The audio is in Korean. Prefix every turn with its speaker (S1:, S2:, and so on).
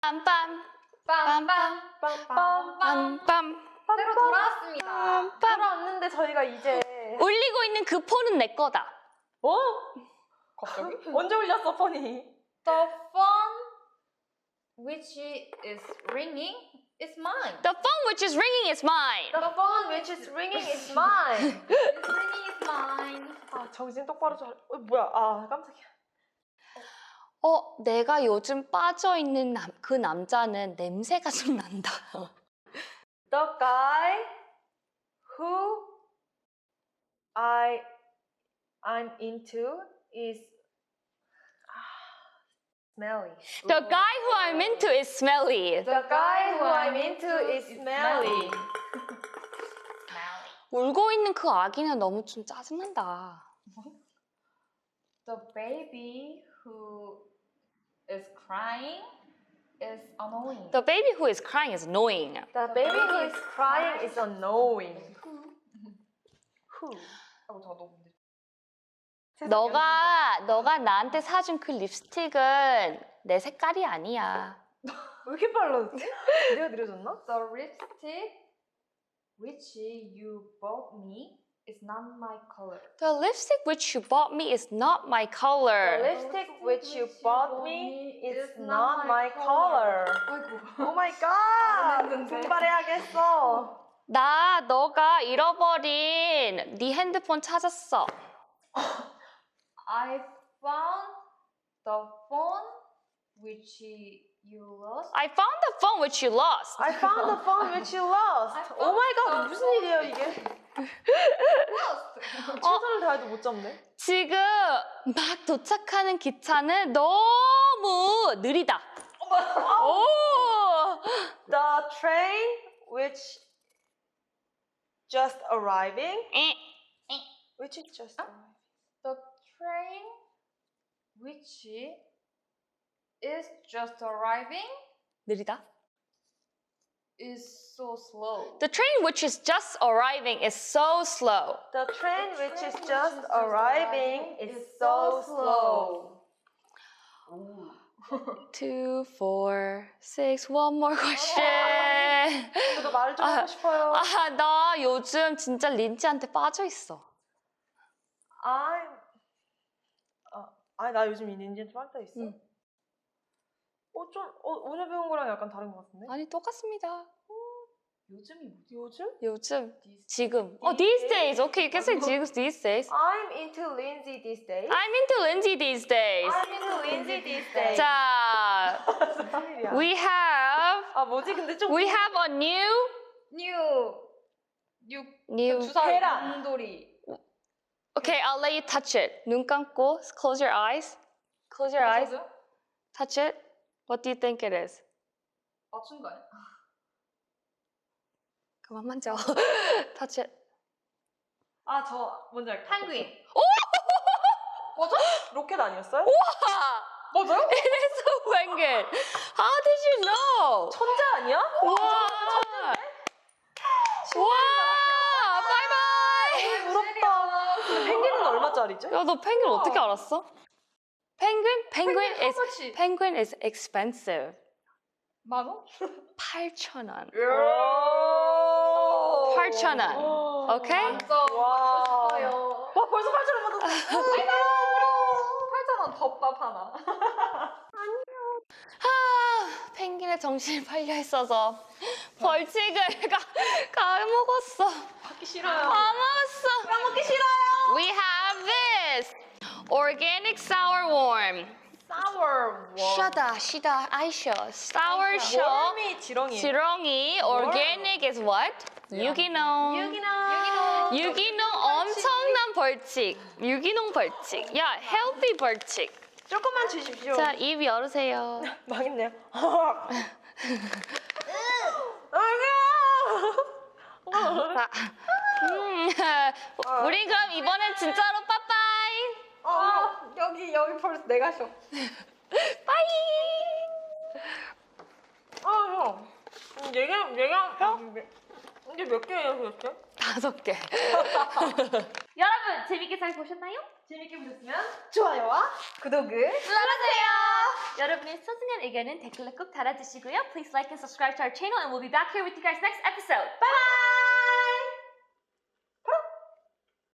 S1: 빰빰
S2: 빰빰빰빰빰빰
S1: 빰빰
S2: 새로 돌아왔습니다.
S3: 돌아왔는데 저희가 이제
S1: 울리고 있는 그 폰은 내 거다.
S3: 어?
S2: 갑자기?
S3: 언제 울렸어 폰이?
S2: The phone which is ringing is mine.
S1: The phone which is ringing is mine.
S3: The phone which is ringing is mine.
S2: It's ringing is mine.
S3: 아 정신 똑바로 잘. 뭐야? 아 깜짝이야.
S1: 내가 요즘 빠져있는 그 남자는 냄새가 좀 난다.
S3: The guy who I'm into is smelly.
S1: The guy who I'm into is smelly.
S3: The guy who I'm into is smelly.
S1: 울고 있는 그 아기는 너무 좀 짜증난다.
S2: The baby who is crying is annoying.
S1: The baby who is crying is annoying.
S3: The baby who is crying is annoying. Who?
S2: 저 너무 문제.
S1: 너가 나한테 사준 그 립스틱은 내 색깔이 아니야.
S3: 왜 이렇게 빨라졌지? 내가 느려졌나?
S2: The lipstick which you bought me is not my color.
S1: The lipstick which you bought me is not my color.
S3: The lipstick which you bought me is not my color.
S2: 아이고.
S3: Oh my god!
S2: 했는데.
S3: 분발해야겠어.
S1: 너가 잃어버린 네 핸드폰 찾았어.
S2: I found the phone which you lost.
S1: I found the phone which you lost.
S3: I found the phone which you lost. Oh my god, 무슨 일이에요 이게?
S2: lost.
S3: 최선을 다해도 못 잡네.
S1: 지금 막 도착하는 기차는 너무 느리다. 오!
S3: The train which just arriving. Which is just arriving.
S2: The train which is just arriving
S1: 느리다.
S2: is so slow.
S1: The train which is just arriving is so slow.
S3: The train which is just arriving is so slow.
S1: 2, 4, 6, one more question.
S3: 저도 말을 좀 하고 싶어요.
S1: 나 요즘 진짜 린지한테 빠져 있어.
S3: 나 요즘 이 닌지한테 빠져 있어.
S1: 응.
S3: 오늘 배운 거랑 약간 다른 것 같은데?
S1: 아니 똑같습니다.
S2: 요즘이 뭐지?
S3: 요즘?
S1: 요즘, 지금. these days. Okay, you can say these days.
S3: I'm into Lindsay these days.
S1: I'm into Lindsay these days.
S3: I'm into Lindsay these days.
S1: 자,
S3: 무슨 일이야?
S1: we have
S3: 뭐지? 근데 좀
S1: a new
S2: 주사
S3: 계란.
S2: 곰돌이.
S1: Okay, I'll let you touch it. 눈 감고, close your eyes. Close your eyes.
S2: 맞아요?
S1: Touch it. What do you think it is?
S2: 맞춘 거 아니야?
S1: 그만 만져. Touch it.
S3: 저 뭔지 알겠다.
S2: 펭귄.
S3: 맞아? 로켓 아니었어요?
S1: 와!
S3: 맞아요?
S1: It is a penguin. How did you know?
S3: 천재 아니야?
S1: 와! 와! 바이바이!
S3: 부럽다. 근데 펭귄은 얼마짜리죠?
S1: 야, 너 펭귄 어떻게 알았어? Penguin is expensive.
S2: 10,000원?
S1: 8,000원.
S3: 8,000원.
S1: 8,000원. 오케이?
S2: 완전
S3: 와.
S2: 받고 싶어요.
S3: 와 벌써 8,000원 받았어.
S2: 8,000원 덮밥 하나.
S1: 펭귄의 정신이 팔려 있어서 벌칙을 까먹었어.
S3: 받기 싫어요.
S1: 까먹었어.
S3: 까먹기 싫어요.
S1: We have this organic sour worm.
S3: Sour
S1: 시다, 아이셔. Sour show.
S3: worm이 지렁이.
S1: 지렁이. Organic is what? 유기농. 유기농 엄청난 벌칙. 유기농 벌칙. 야, healthy 벌칙.
S3: 조금만 주십시오.
S1: 자, 입 열으세요.
S3: 망했네요.
S1: 자, 우린 그럼 이번엔 진짜로 빠빠이.
S2: 여기 벌써 내가 쉬어.
S1: 빠이.
S3: 형. 얘가 이게 몇 개예요, 도대체?
S1: 5개.
S2: 여러분 재밌게 잘 보셨나요?
S3: 재밌게 보셨으면 좋아요와
S2: 구독을 눌러주세요.
S4: 여러분의 소중한 의견은 댓글로 꼭 달아주시고요. Please like and subscribe to our channel and we'll be back here with you guys next episode. Bye bye!